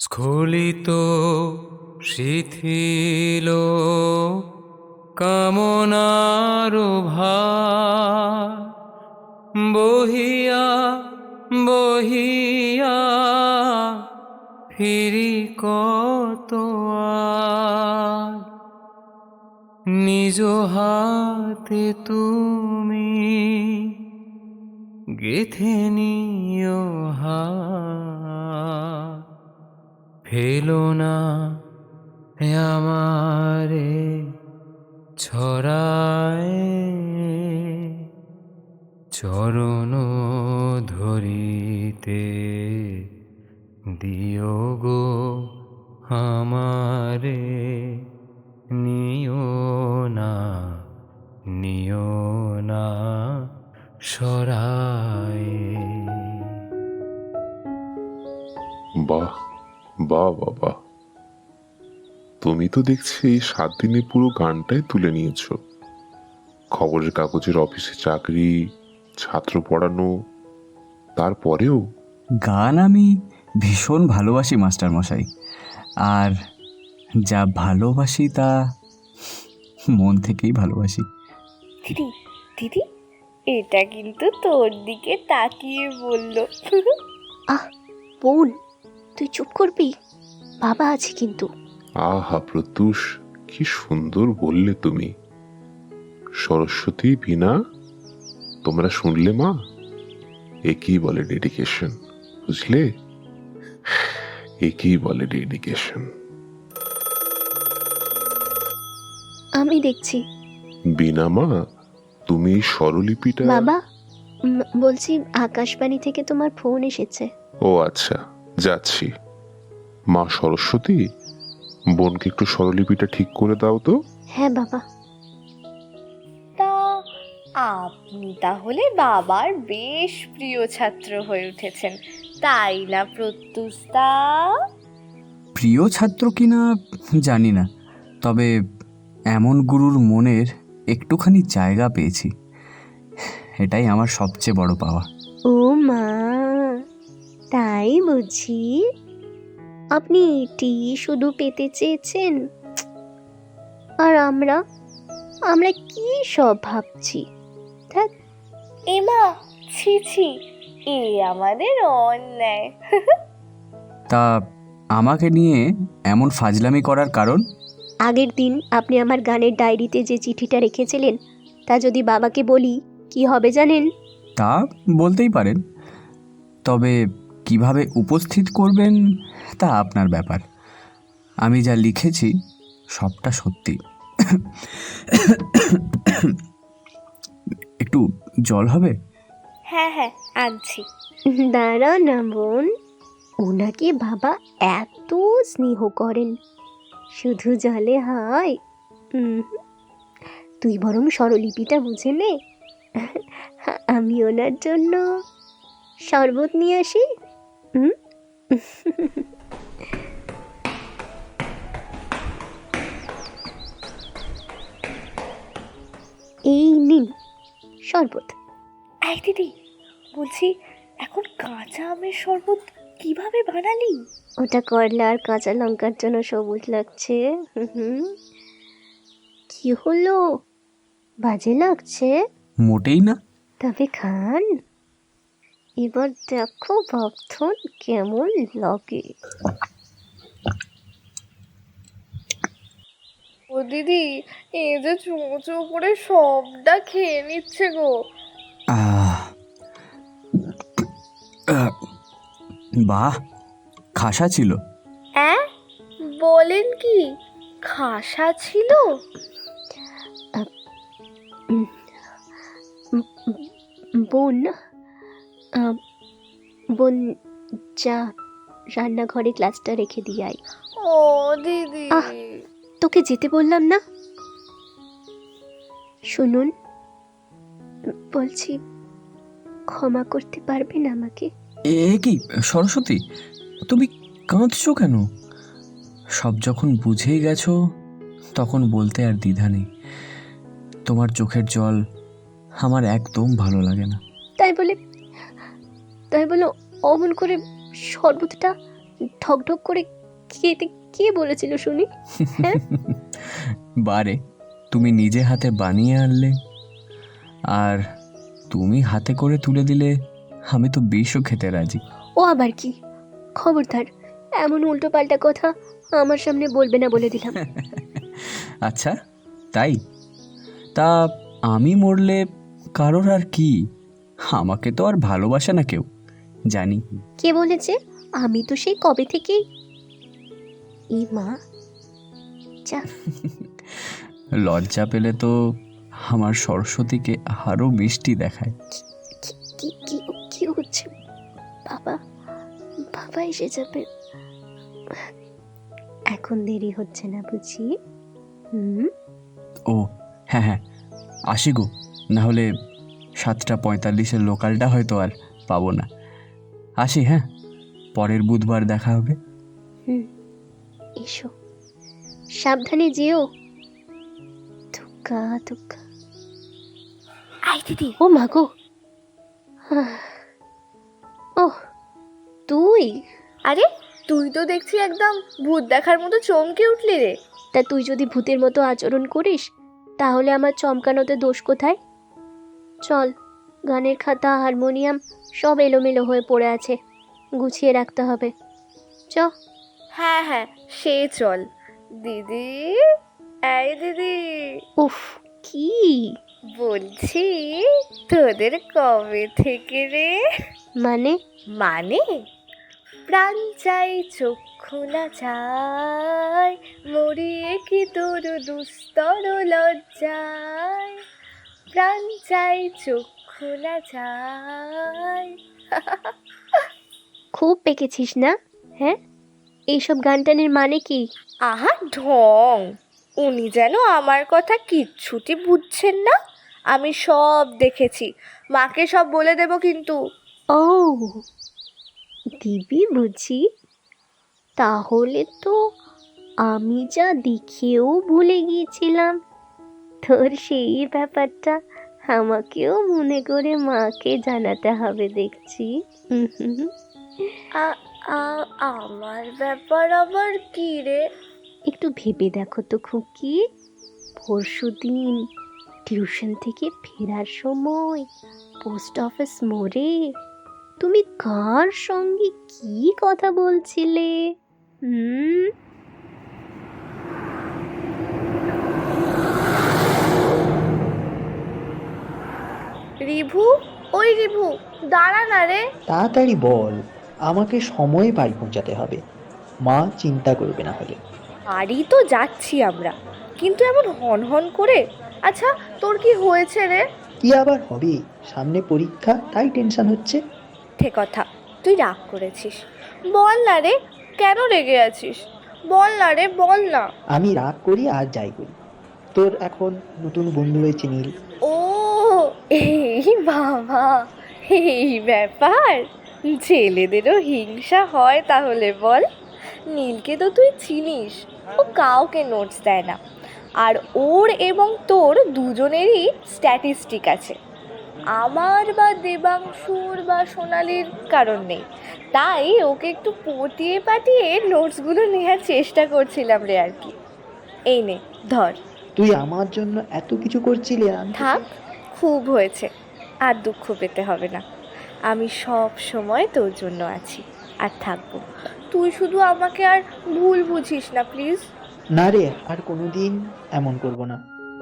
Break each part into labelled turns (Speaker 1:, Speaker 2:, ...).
Speaker 1: স্খলিত শিথিল কামনার ভার বহিয়া বহিয়া ফিরি কত আর। নিজ হাতে তুমি গেথে নিও হাত, ফেলো না আমারে ছড়ায়, চরণ ধরিতে দিও গো আমারে, নিও না নিও না সরায়।
Speaker 2: বাহ বাহ বাবা, তুমি তো দেখছি এই 7 দিনে পুরো গানটাই তুলে নিয়েছো। খবরের কাগজের অফিসে চাকরি, ছাত্র পড়ানো, তারপরেও
Speaker 3: গান আমি ভীষণ ভালোবাসি মাস্টার মশাই, আর যা ভালোবাসি তা মন থেকেই ভালোবাসি।
Speaker 4: দিদি দিদি, এটা কিন্তু তোর দিকে তাকিয়ে বলল।
Speaker 5: আহ বোন, তুই চুপ করবি? বাবা আছে কিন্তু।
Speaker 2: আহা প্রত্যুষ, কি সুন্দর বললে তুমি। সরস্বতী, বীণা, তোমরা শুনলে মা? একই বলে ডেডিকেশন, বুঝলে? একই বলে ডেডিকেশন।
Speaker 5: আমি দেখছি।
Speaker 2: বীণা মা, তুমি এই স্বরলিপিটা...
Speaker 5: বাবা, বলছি আকাশবাণী থেকে তোমার ফোন এসেছে।
Speaker 2: ও আচ্ছা, যাচ্ছি। মা সরস্বতী, বোনকে একটু স্বরলিপিটা ঠিক করে দাও তো।
Speaker 5: হ্যাঁ বাবা।
Speaker 4: তা আপনি তাহলে বাবার বেশ প্রিয় ছাত্র হয়ে উঠেছেন, তাই না প্রত্যুষদা?
Speaker 3: প্রিয় ছাত্র কিনা জানি না, তবে এমন গুরুর মনের একটুখানি জায়গা পেয়েছি, এটাই আমার সবচেয়ে বড় পাওয়া।
Speaker 5: ও মা, তাই বুঝি? আপনি এটি শুধু পেতে চেয়েছেন, আর আমরা আমরা কি সব ভাবছি। থাক।
Speaker 4: এমা, ছি ছি, এ আমাদের অন্যায়।
Speaker 3: তা আমাকে নিয়ে এমন ফাজলামি করার কারণ?
Speaker 5: আগের দিন আপনি আমার গানের ডায়েরিতে যে চিঠিটা রেখেছিলেন, তা যদি বাবাকে বলি কি হবে জানেন?
Speaker 3: তা বলতেই পারেন, তবে কিভাবে উপস্থিত করবেন তা আপনার ব্যাপার। আমি যা লিখেছি সবটা সত্যি। একটু জল হবে?
Speaker 4: হ্যাঁ হ্যাঁ, আনছি।
Speaker 5: দাঁড়া না বোন, ওনাকে বাবা এত স্নেহ করেন, শুধু জলে হয়? তুই বরং স্বরলিপিটা বুঝে নে, আমি ওনার জন্য শরবত নিয়ে আসি। এই নিন শরবত।
Speaker 4: এই দিদি, বলছি এখন কাঁচা আমের শরবত কিভাবে বানালি?
Speaker 5: ওটা করলা আর কাঁচা লঙ্কার জন্য সবুজ লাগছে। কি হলো, বাজে লাগছে?
Speaker 3: মোটেই না।
Speaker 5: তবে খান, এবার দেখো ভক্তন কেমন লাগে।
Speaker 4: ও দিদি, এ যে চুমো চুমো করে সবটা খেয়ে নিচ্ছে গো।
Speaker 3: আহ, বাহ, খাসা ছিল।
Speaker 4: হ্যাঁ, বলেন কি, খাসা ছিল?
Speaker 5: বোন, বোন যা রান্নাঘরে গ্লাসটা রেখে দিয়ে আয়।
Speaker 4: ও দিদি,
Speaker 5: আহ! তোকে যেতে বললাম না? শুনুন, বলছি ক্ষমা করতে পারবেন আমাকে?
Speaker 3: এ কি সরস্বতী, তুমি কাঁদছো কেন? সব যখন বুঝেই গেছো তখন বলতে আর দ্বিধা নেই। তোমার চোখের জল আমার একদম ভালো লাগে না।
Speaker 5: তাই বলে অমন করে শরবতটা ঠক ঠক করে খেতে কে বলেছিল শুনি? হ্যাঁ?
Speaker 3: বারে, তুমি নিজে হাতে বানিয়ে আনলে, আর তুমি হাতে করে তুলে দিলে আমি তো বিষও খেতে রাজি।
Speaker 5: ও আবার কি? খবরদার এমন উল্টো পাল্টা কথা আমার সামনে বলবে না বলে দিলাম।
Speaker 3: আচ্ছা তাই? তা আমি মরলে কারোর আর কি, আমাকে তো আর ভালোবাসে না কেউ, জানি।
Speaker 5: কে বলেছে? আমি তো সেই কবে থেকেই। এ মা, যা।
Speaker 3: লজ্জা পেলে তো আমার সরস্বতীকে আরো মিষ্টি দেখায়।
Speaker 5: কি কি কি কি হচ্ছে? বাবা, বাবা এসে যাবে। এখন দেরি হচ্ছে না বুঝি?
Speaker 3: ও হ্যাঁ হ্যাঁ, আসি গো, না হলে 7:45 লোকালটা হয়তো আর পাবো না। আসি, হ্যাঁ, পরের বুধবার দেখা হবে।
Speaker 5: এসো, সাবধানে যেও। ধুক্কা ধুক্কা।
Speaker 4: আই দিদি,
Speaker 5: ও মা গো। ও তুই?
Speaker 4: আরে তুই তো দেখছি একদম ভূত দেখার মতো চমকে উঠলি রে।
Speaker 5: তা তুই যদি ভূতের মতো আচরণ করিস তাহলে আমার চমকানোতে দোষ কোথায়? চল, গানের খাতা, হারমোনিয়াম সব এলোমেলো হয়ে পড়ে আছে, গুছিয়ে রাখতে হবে। চ।
Speaker 4: হ্যাঁ হ্যাঁ, সে চল। দিদি, এই দিদি,
Speaker 5: উফ, কি
Speaker 4: বলছি তোদের কবে থেকে রে?
Speaker 5: মানে?
Speaker 4: মানে প্রাণ চাই চক্ষু না চাই, মরিয়ে কি তোর দুস্তর লজ্জায়, প্রাণ চাই চক্ষু না চাই।
Speaker 5: খুব পেকেছিস না? হ্যাঁ, এইসব গান টানের মানে কি?
Speaker 4: আহা ঢং, উনি যেন আমার কথা কিচ্ছুটি বুঝছেন না। আমি সব দেখেছি, মাকে সব বলে দেব কিন্তু।
Speaker 5: ও দিবি বুঝি? তাহলে তো আমি যা দেখেও ভুলে গিয়েছিলাম। তোর সেই ব্যাপারটা আমাকেও মনে করে মাকে জানাতে হবে দেখছি।
Speaker 4: আমার ব্যাপার আবার কি রে?
Speaker 5: একটু ভেবে দেখো তো খুকি, পরশুদিন টিউশন থেকে ফেরার সময় পোস্ট অফিস মোড়ে তুমি কার সঙ্গে কি কথা বলছিলে?
Speaker 4: রিভু, ওই রিভু, দাঁড়া না রে।
Speaker 6: তাড়াতাড়ি বল, আমাকে সময়ে বাড়ি পৌঁছাতে হবে, মা চিন্তা করবে না হলে।
Speaker 4: বাড়ি তো যাচ্ছি আমরা, কিন্তু এমন হন হন করে। আচ্ছা তোর কি হয়েছে রে?
Speaker 6: কি আবার হবে, সামনে পরীক্ষা তাই টেনশন হচ্ছে।
Speaker 4: ঠিক কথা, তুই রাগ করেছিস। বল না রে, কেন রেগে আছিস? বল না রে, বল না।
Speaker 6: আমি রাগ করি আর যাই করি, তোর এখন নতুন বন্ধু হয়েছে নীল।
Speaker 4: ও এই বাবা, এই ব্যাপার। ছেলেদেরও হিংসা হয় তাহলে বল? নীলকে তো তুই চিনিস, ও কাউকে নোটস দেয় না। আর ওর এবং তোর দুজনেরই স্ট্যাটিস্টিক আছে, আমার বা দেবাংশুর বা সোনালির কারণ নেই। তাই ওকে একটু পটিয়ে পাটিয়ে নোটসগুলো নেওয়ার চেষ্টা করছিলাম রে আর কি। এই নে ধর।
Speaker 6: তুই আমার জন্য এত কিছু করছিলি, আমি
Speaker 4: থাক, খুব হয়েছে, আর দুঃখ পেতে হবে না। আমি সব সময় তোর জন্য আছি আর থাকবো। তুই শুধু আমাকে আর ভুল বুঝিস না প্লিজ।
Speaker 6: না রে, আর কোনোদিন এমন করব না।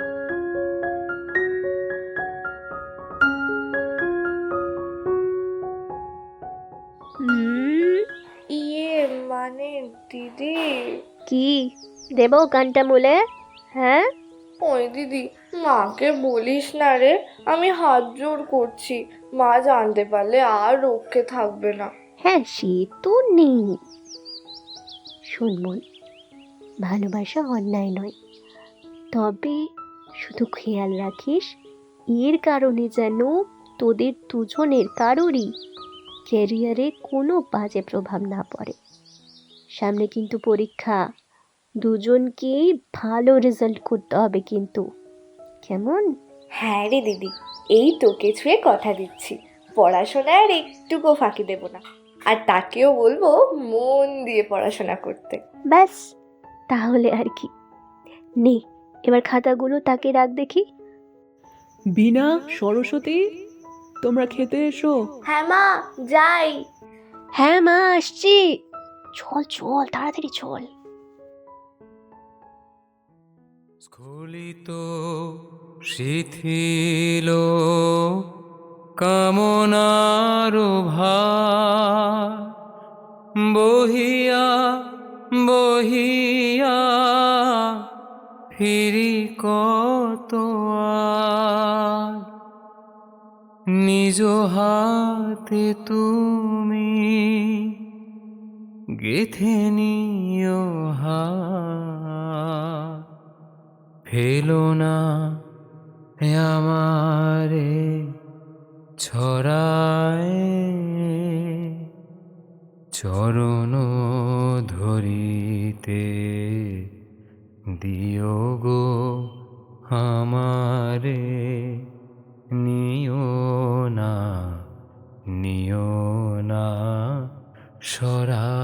Speaker 4: ইয়ে মানে দিদি।
Speaker 5: কি দেব গানটা বলে? হ্যাঁ,
Speaker 4: ওই দিদি, মাকে বলিস না রে, আমি হাত জোর করছি। মা জানতে পারলে আর রক্ষে থাকবে না।
Speaker 5: হ্যাঁ, সে তো নেই। শোন মন, ভালোবাসা অন্যায় নয়, তবে শুধু খেয়াল রাখিস এর কারণে যেন তোদের দুজনের কারোরই ক্যারিয়ারে কোনো বাজে প্রভাব না পড়ে। সামনে কিন্তু পরীক্ষা, দুজনকেই ভালো রেজাল্ট করতে হবে কিন্তু, কেমন?
Speaker 4: হ্যাঁ রে দিদি, এই তোকে ছুঁয়ে কথা দিচ্ছি, পড়াশোনায় আর একটুকু ফাঁকি দেব না। আর তাকেও বলবো মন দিয়ে পড়াশোনা করতে।
Speaker 5: ব্যাস, তাহলে আর কি। নে, এবার খাতাগুলো তাকে রাখ দেখি।
Speaker 7: বিনা, সরস্বতী, তোমরা খেতে এসো।
Speaker 4: হ্যাঁ মা, যাই।
Speaker 5: হ্যাঁ মা, আসছি। চল চল, তাড়াতাড়ি চল।
Speaker 1: স্খলিত শিথিল কামনার ভার বহিয়া বহিয়া ফিরি কত আর, নিজ হাতে তুমি গেথে নিও হার, ফেলো না আমারে ছড়ায়, চরণ ধরিতে দিও গো আমারে, নিও না, নিও না সরা